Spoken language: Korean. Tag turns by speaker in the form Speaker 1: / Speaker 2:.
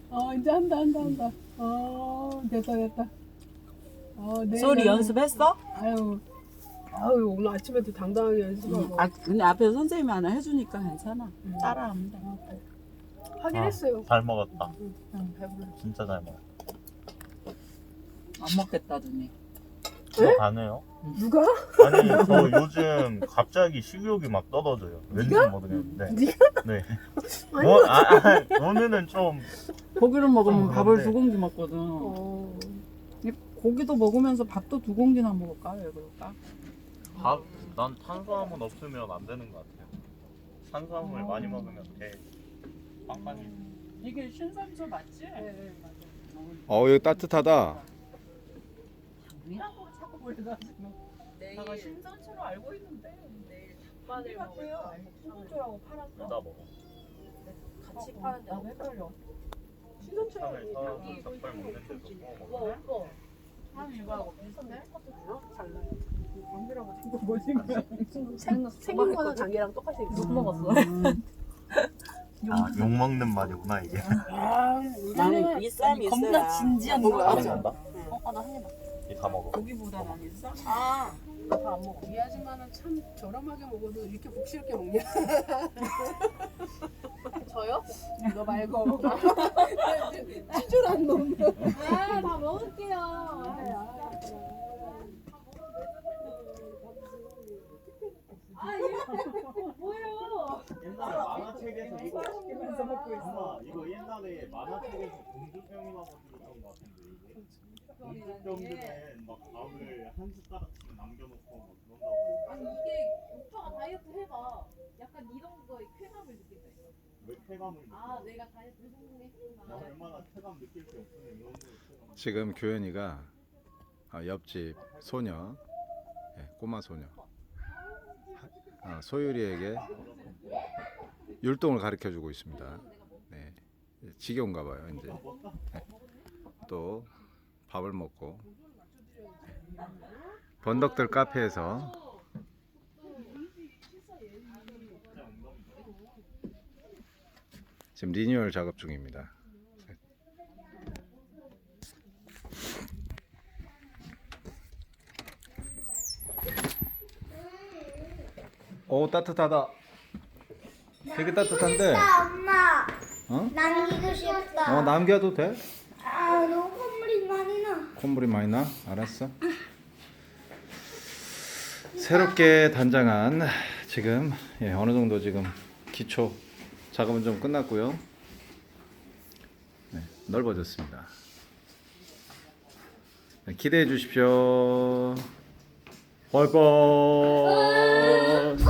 Speaker 1: 이제 한다. 됐다.
Speaker 2: 소리 연습했어?
Speaker 1: 아유, 오늘 아침에도 당당하게 연습하고.
Speaker 2: 근데 앞에서 선생님이 하나 해주니까 괜찮아. 따라합니다.
Speaker 1: 하긴 했어요.
Speaker 3: 잘 먹었다.
Speaker 1: 배불러.
Speaker 3: 진짜 잘 먹었다.
Speaker 2: 안 먹겠다더니.
Speaker 3: 들어가네요.
Speaker 1: 누가?
Speaker 3: 아니 저 요즘 갑자기 식욕이 막 떨어져요. 왠지 모르겠는데. 네. 오늘은 좀
Speaker 2: 고기를 먹으면 밥을
Speaker 3: 그런데.
Speaker 2: 2공기 먹거든. 이 고기도 먹으면서 밥도 2공기나 먹을까? 왜 그럴까?
Speaker 3: 밥. 난 탄수화물 없으면 안 되는 것 같아요. 탄수화물 많이 먹으면 배 빵빵해.
Speaker 2: 이게 신선초 맞지?
Speaker 1: 네, 맞아요.
Speaker 4: 여기 따뜻하다.
Speaker 2: 이라고 자꾸 그래가지고. 내가 신선초로 알고 있는데.
Speaker 1: 내일 닭바늘 먹을까? 신선초라고 팔았어.
Speaker 3: 다 먹어.
Speaker 1: 같이 파는데
Speaker 2: 나도 헷갈려.
Speaker 1: 신선초라고
Speaker 3: 차를 사와서 닭발 먹는 데서 먹어.
Speaker 1: 오빠.
Speaker 2: 한 이거하고 비슷해?
Speaker 1: 달라.
Speaker 2: 감기라고 생각 뭐지?
Speaker 1: 생긴 거는 장기랑 똑같이 있어.
Speaker 2: 못 먹었어.
Speaker 3: 욕 먹는 말이구나 이게.
Speaker 2: 나는 이 쌈이 있어야 겁나 진지한 거야.
Speaker 1: 나한 입.
Speaker 3: 다 먹어.
Speaker 2: 고기보다 난 이 쌈.
Speaker 1: 다 안 먹어. 이 아줌마는 참 저렴하게 먹어도 이렇게 복스럽게 먹냐? 저요? 너 말고. 찌질한 놈.
Speaker 5: 다 먹을게요. 뭐예요?
Speaker 3: 옛날에 만화책에서 이거 시키면서 먹고 있어. 이거 옛날에 만화책에서 공주병이라고 들었던 것 같은데 이게. 공주병들은 막 밥을 한 숟가락씩 남겨놓고 막 그런다고.
Speaker 5: 아니 이게 오빠가 다이어트 해봐. 약간 이런 거에 쾌감을 느낀다니까.
Speaker 3: 왜 쾌감을 느껴?
Speaker 5: 내가 다이어트를 성공했구나.
Speaker 3: 나 얼마나 쾌감 느낄 게 없으면 이런 거 쾌감.
Speaker 4: 지금 교현이가 옆집 소녀, 꼬마 소녀 소율이에게 율동을 가르쳐 주고 있습니다. 네, 지겨운가 봐요 이제. 네. 또 밥을 먹고 번덕들 카페에서 지금 리뉴얼 작업 중입니다. 따뜻하다. 되게 따뜻한데.
Speaker 6: 엄마,
Speaker 4: 어?
Speaker 6: 남기고 싶다.
Speaker 4: 남겨도 돼?
Speaker 6: 너무 콧물이 많이 나.
Speaker 4: 콧물이 많이 나? 알았어. 새롭게 단장한 지금 어느 정도 지금 기초 작업은 좀 끝났고요. 네, 넓어졌습니다. 네, 기대해 주십시오. 빠이빠이.